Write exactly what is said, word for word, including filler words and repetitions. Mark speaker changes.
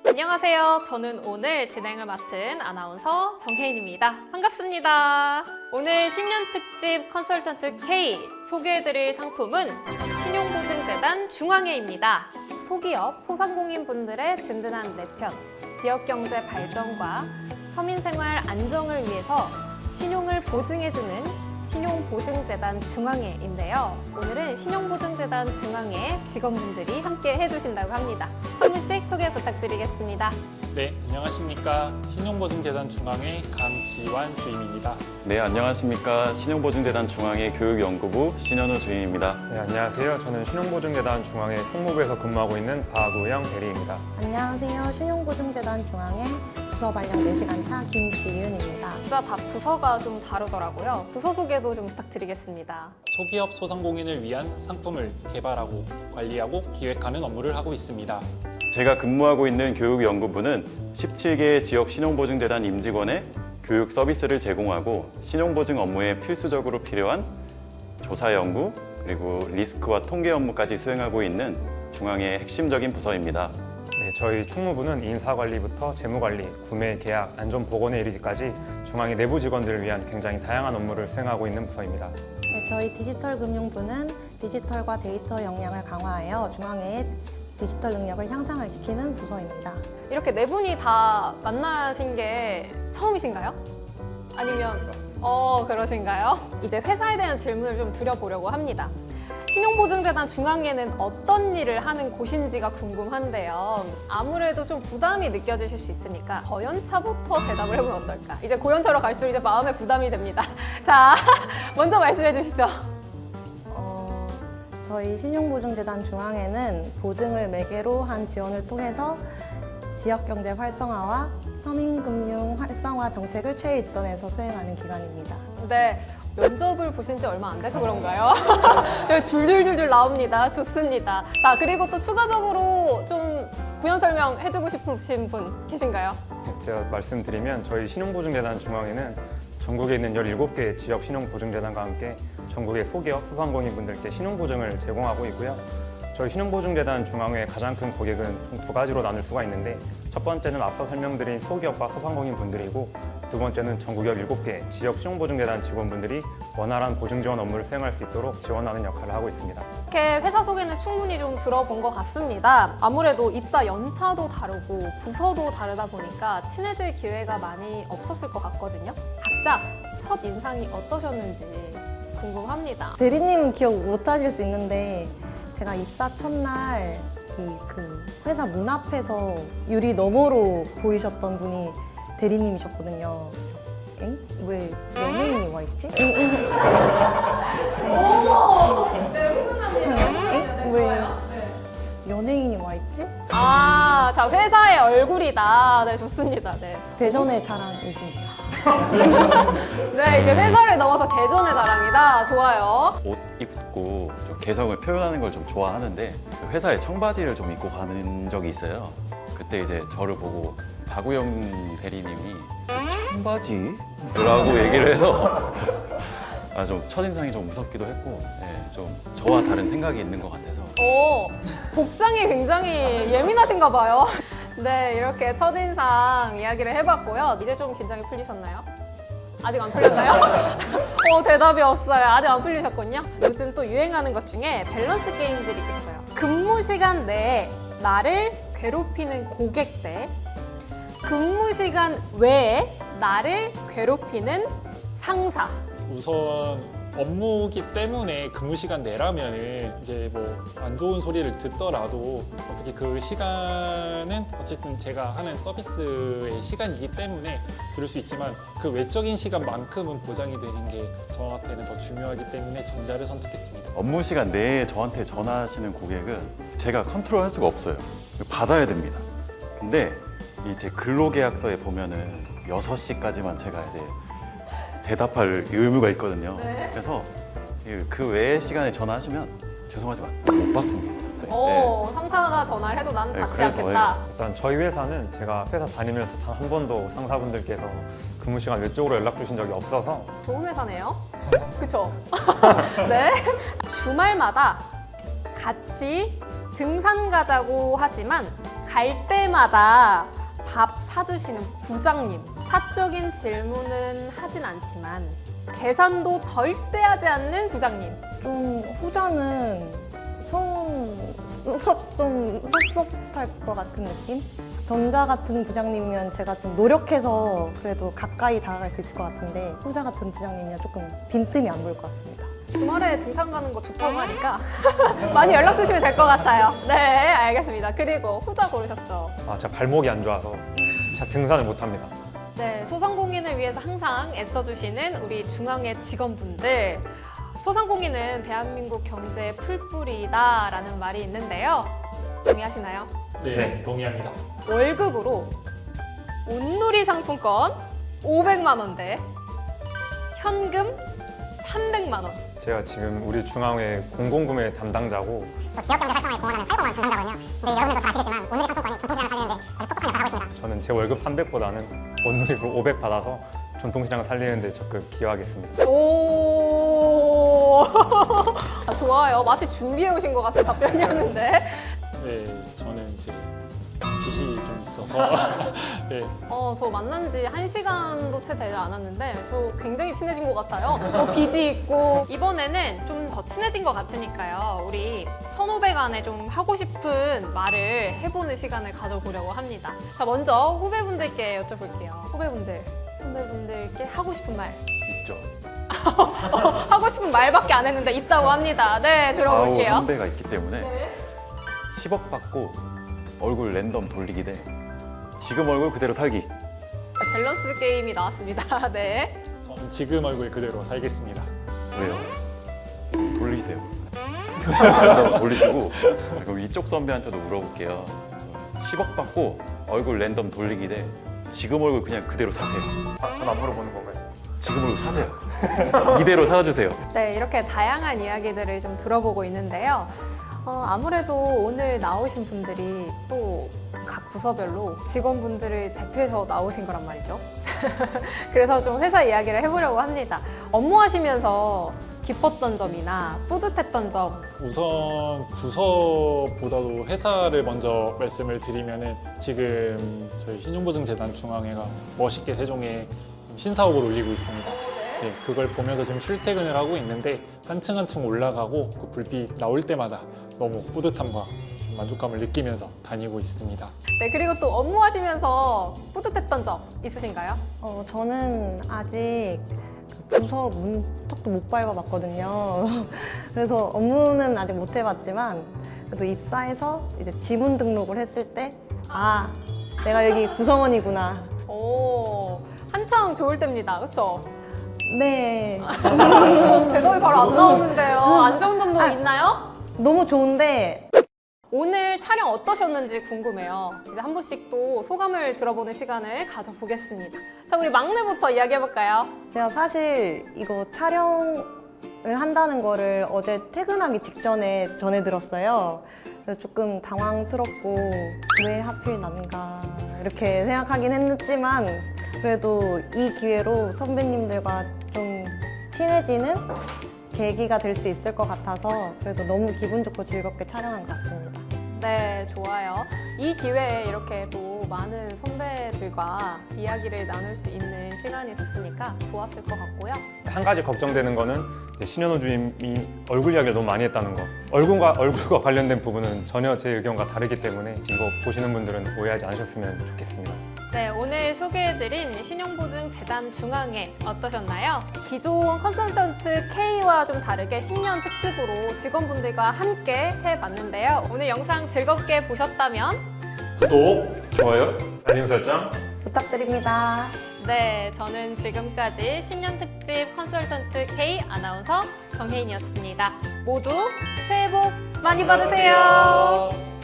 Speaker 1: 안녕하세요. 저는 오늘 진행을 맡은 아나운서 정혜인입니다. 반갑습니다. 오늘 신년 특집 컨설턴트 K 소개해드릴 상품은 신용보증재단 중앙회입니다. 소기업, 소상공인분들의 든든한 내편, 지역경제 발전과 서민생활 안정을 위해서 신용을 보증해주는 신용보증재단 중앙회인데요. 오늘은 신용보증재단 중앙회 직원분들이 함께 해주신다고 합니다. 한 분씩 소개 부탁드리겠습니다.
Speaker 2: 네, 안녕하십니까. 신용보증재단 중앙회 강지환 주임입니다.
Speaker 3: 네, 안녕하십니까. 신용보증재단 중앙회 교육연구부 신현우 주임입니다.
Speaker 4: 네, 안녕하세요. 저는 신용보증재단 중앙회 총무부에서 근무하고 있는 박우영 대리입니다.
Speaker 5: 안녕하세요. 신용보증재단 중앙회 부서 발령 네 시간차 김지윤입니다.
Speaker 1: 진짜 다 부서가 좀 다르더라고요. 부서 소개도 좀 부탁드리겠습니다.
Speaker 2: 소기업 소상공인을 위한 상품을 개발하고 관리하고 기획하는 업무를 하고 있습니다.
Speaker 3: 제가 근무하고 있는 교육연구부는 십칠 개의 지역 신용보증재단 임직원의 교육 서비스를 제공하고 신용보증 업무에 필수적으로 필요한 조사 연구 그리고 리스크와 통계 업무까지 수행하고 있는 중앙의 핵심적인 부서입니다.
Speaker 4: 네, 저희 총무부는 인사관리부터 재무관리, 구매, 계약, 안전보건에 이르기까지 중앙회 내부 직원들을 위한 굉장히 다양한 업무를 수행하고 있는 부서입니다.
Speaker 5: 네, 저희 디지털금융부는 디지털과 데이터 역량을 강화하여 중앙회의 디지털 능력을 향상을 시키는 부서입니다.
Speaker 1: 이렇게 네 분이 다 만나신 게 처음이신가요? 아니면 어 그러신가요? 이제 회사에 대한 질문을 좀 드려보려고 합니다. 신용보증재단 중앙회는 어떤 일을 하는 곳인지가 궁금한데요. 아무래도 좀 부담이 느껴지실 수 있으니까 고연차부터 대답을 해보면 어떨까? 이제 고연차로 갈수록 이제 마음에 부담이 됩니다. 자, 먼저 말씀해 주시죠.
Speaker 5: 어, 저희 신용보증재단 중앙회는 보증을 매개로 한 지원을 통해서 지역경제 활성화와 서민금융 활성화 정책을 최일선에서 수행하는 기관입니다.
Speaker 1: 네, 면접을 보신 지 얼마 안 돼서 그런가요? 저희 줄줄줄줄 나옵니다. 좋습니다. 자, 그리고 또 추가적으로 좀 부연 설명해주고 싶으신 분 계신가요?
Speaker 4: 네, 제가 말씀드리면 저희 신용보증재단 중앙회는 전국에 있는 열일곱 개 지역 신용보증재단과 함께 전국의 소기업, 소상공인분들께 신용보증을 제공하고 있고요. 저희 신용보증재단 중앙회의 가장 큰 고객은 총 두 가지로 나눌 수가 있는데 첫 번째는 앞서 설명드린 소기업과 소상공인 분들이고 두 번째는 전국 열일곱 개 지역 신용보증재단 직원분들이 원활한 보증 지원 업무를 수행할 수 있도록 지원하는 역할을 하고 있습니다.
Speaker 1: 이렇게 회사 소개는 충분히 좀 들어본 것 같습니다. 아무래도 입사 연차도 다르고 부서도 다르다 보니까 친해질 기회가 많이 없었을 것 같거든요. 각자 첫 인상이 어떠셨는지 궁금합니다.
Speaker 5: 대리님 기억 못 하실 수 있는데 제가 입사 첫날 이 그 회사 문 앞에서 유리 너머로 보이셨던 분이 대리님이셨거든요. 엥? 왜 연예인이 와 있지? 엥? 엥? 엥? 왜 연예인이 와 있지?
Speaker 1: 아, 자, 회사의 얼굴이다. 네, 좋습니다. 네.
Speaker 5: 대전의 자랑이십니다.
Speaker 1: 네, 이제 회사를 넘어서 대전의 자랑이다. 좋아요.
Speaker 3: 옷 입고 좀 개성을 표현하는 걸 좀 좋아하는데 회사에 청바지를 좀 입고 가는 적이 있어요. 그때 이제 저를 보고 박우영 대리님이 청바지? 라고 얘기를 해서 아, 좀 첫인상이 좀 무섭기도 했고 네, 좀 저와 다른 생각이 있는 것 같아서
Speaker 1: 오, 복장이 굉장히 예민하신가 봐요. 네, 이렇게 첫인상 이야기를 해봤고요. 이제 좀 긴장이 풀리셨나요? 아직 안 풀렸나요? 어, 대답이 없어요. 아직 안 풀리셨군요. 요즘 또 유행하는 것 중에 밸런스 게임들이 있어요. 근무 시간 내에 나를 괴롭히는 고객 대 근무 시간 외에 나를 괴롭히는 상사.
Speaker 2: 우선 업무기 때문에 근무 시간 내라면은 이제 뭐 안 좋은 소리를 듣더라도 어떻게 그 시간은 어쨌든 제가 하는 서비스의 시간이기 때문에 들을 수 있지만 그 외적인 시간만큼은 보장이 되는 게 저한테는 더 중요하기 때문에 전자를 선택했습니다.
Speaker 3: 업무 시간 내에 저한테 전화하시는 고객은 제가 컨트롤할 수가 없어요. 받아야 됩니다. 근데 이 제 근로계약서에 보면은 여섯 시까지만 제가 이제 대답할 의무가 있거든요.
Speaker 1: 네.
Speaker 3: 그래서 그 외의 시간에 전화하시면 죄송하지만 못 받습니다. 네.
Speaker 1: 오, 상사가 전화를 해도 난
Speaker 3: 네,
Speaker 1: 받지
Speaker 3: 그래서,
Speaker 1: 않겠다.
Speaker 4: 일단 저희 회사는 제가 회사 다니면서 단 한 번도 상사분들께서 근무 시간 외적으로 연락 주신 적이 없어서
Speaker 1: 좋은 회사네요. 그쵸? 네. 주말마다 같이 등산 가자고 하지만 갈 때마다 밥 사주시는 부장님. 사적인 질문은 하진 않지만 계산도 절대 하지 않는 부장님.
Speaker 5: 좀 후자는 성 섭, 좀 섭섭할 것 같은 느낌? 전자 같은 부장님이면 제가 좀 노력해서 그래도 가까이 다가갈 수 있을 것 같은데 후자 같은 부장님이면 조금 빈틈이 안 보일 것 같습니다.
Speaker 1: 주말에 등산 가는 거 좋다고 하니까 많이 연락 주시면 될 것 같아요. 네, 알겠습니다. 그리고 후자 고르셨죠?
Speaker 4: 아, 제가 발목이 안 좋아서 제가 등산을 못합니다.
Speaker 1: 네, 소상공인을 위해서 항상 애써주시는 우리 중앙의 직원분들. 소상공인은 대한민국 경제의 풀뿌리다라는 말이 있는데요. 동의하시나요?
Speaker 2: 네,
Speaker 4: 네.
Speaker 2: 동의합니다.
Speaker 1: 월급으로 온누리 상품권 오백만 원대, 현금 삼백만 원.
Speaker 4: 제가 지금 우리 중앙회 공공구매 담당자고
Speaker 6: 또 지역 경제 활성화에 공헌하는 활공원 담당자거든요. 근데 여러분들도 다 아시겠지만 오늘의 상품권이 전통시장을 살리는데 아주 똑똑하게 나가고 있습니다.
Speaker 4: 저는 제 월급 삼백보다는 온누리로 오백 받아서 전통시장을 살리는데 적극 기여하겠습니다.
Speaker 1: 오, 아, 좋아요. 마치 준비해 오신 것 같은 답변이었는데.
Speaker 2: 네, 저는 이제 빚이 좀 있어서 네,
Speaker 1: 어, 저 만난 지 한 시간도 채 되지 않았는데 저 굉장히 친해진 것 같아요. 뭐 빚이 있고. 이번에는 좀 더 친해진 것 같으니까요. 우리 선후배 간에 좀 하고 싶은 말을 해보는 시간을 가져보려고 합니다. 자, 먼저 후배분들께 여쭤볼게요. 후배분들, 선배분들께 하고 싶은 말.
Speaker 3: 있죠.
Speaker 1: 하고 싶은 말밖에 안 했는데 있다고 합니다. 네,
Speaker 3: 아우
Speaker 1: 들어볼게요.
Speaker 3: 선배가 있기 때문에
Speaker 1: 네.
Speaker 3: 십억 받고 얼굴 랜덤 돌리기 대 지금 얼굴 그대로 살기.
Speaker 1: 밸런스 게임이 나왔습니다. 네.
Speaker 2: 저는 지금 얼굴 그대로 살겠습니다.
Speaker 3: 왜요? 돌리세요. 랜덤 돌리시고 그럼 이쪽 선배한테도 물어볼게요. 십억 받고 얼굴 랜덤 돌리기 대 지금 얼굴 그냥 그대로 사세요.
Speaker 4: 아, 전 안 물어보는 건가요?
Speaker 3: 지금 얼굴 사세요. 이대로 살아주세요.
Speaker 1: 네, 이렇게 다양한 이야기들을 좀 들어보고 있는데요. 어, 아무래도 오늘 나오신 분들이 또 각 부서별로 직원분들을 대표해서 나오신 거란 말이죠. 그래서 좀 회사 이야기를 해보려고 합니다. 업무하시면서 기뻤던 점이나 뿌듯했던 점.
Speaker 2: 우선 부서보다도 회사를 먼저 말씀을 드리면은 지금 저희 신용보증재단 중앙회가 멋있게 세종에 신사옥을 올리고 있습니다. 네, 그걸 보면서 지금 출퇴근을 하고 있는데 한층 한층 올라가고 그 불빛 나올 때마다 너무 뿌듯함과 만족감을 느끼면서 다니고 있습니다.
Speaker 1: 네, 그리고 또 업무하시면서 뿌듯했던 점 있으신가요?
Speaker 5: 어, 저는 아직 그 부서 문턱도 못 밟아봤거든요. 그래서 업무는 아직 못 해봤지만 그래도 입사해서 이제 지문 등록을 했을 때 아, 내가 여기 구성원이구나.
Speaker 1: 오, 한창 좋을 때입니다. 그렇죠?
Speaker 5: 네,
Speaker 1: 대답이 바로 안 나오는데요. 안 좋은 점도 있나요?
Speaker 5: 너무 좋은데
Speaker 1: 오늘 촬영 어떠셨는지 궁금해요. 이제 한 분씩 또 소감을 들어보는 시간을 가져보겠습니다. 자, 우리 막내부터 이야기해볼까요?
Speaker 5: 제가 사실 이거 촬영을 한다는 거를 어제 퇴근하기 직전에 전해 들었어요. 그래서 조금 당황스럽고 왜 하필 난가 이렇게 생각하긴 했지만 그래도 이 기회로 선배님들과 좀 친해지는 계기가 될 수 있을 것 같아서 그래도 너무 기분 좋고 즐겁게 촬영한 것 같습니다.
Speaker 1: 네, 좋아요. 이 기회에 이렇게 또 많은 선배들과 이야기를 나눌 수 있는 시간이 됐으니까 좋았을 것 같고요.
Speaker 4: 한 가지 걱정되는 거는 이제 신현우 주임이 얼굴 이야기를 너무 많이 했다는 거. 얼굴과 얼굴과 관련된 부분은 전혀 제 의견과 다르기 때문에 이거 보시는 분들은 오해하지 않으셨으면 좋겠습니다.
Speaker 1: 네, 오늘 소개해드린 신용보증재단 중앙회 어떠셨나요? 기존 컨설턴트 K와 좀 다르게 신년 특집으로 직원분들과 함께 해봤는데요. 오늘 영상 즐겁게 보셨다면
Speaker 2: 구독, 좋아요.
Speaker 4: 알림 설정.
Speaker 5: 부탁드립니다.
Speaker 1: 네, 저는 지금까지 신년 특집 컨설턴트 K 아나운서 정혜인이었습니다. 모두 새해 복 많이 받으세요.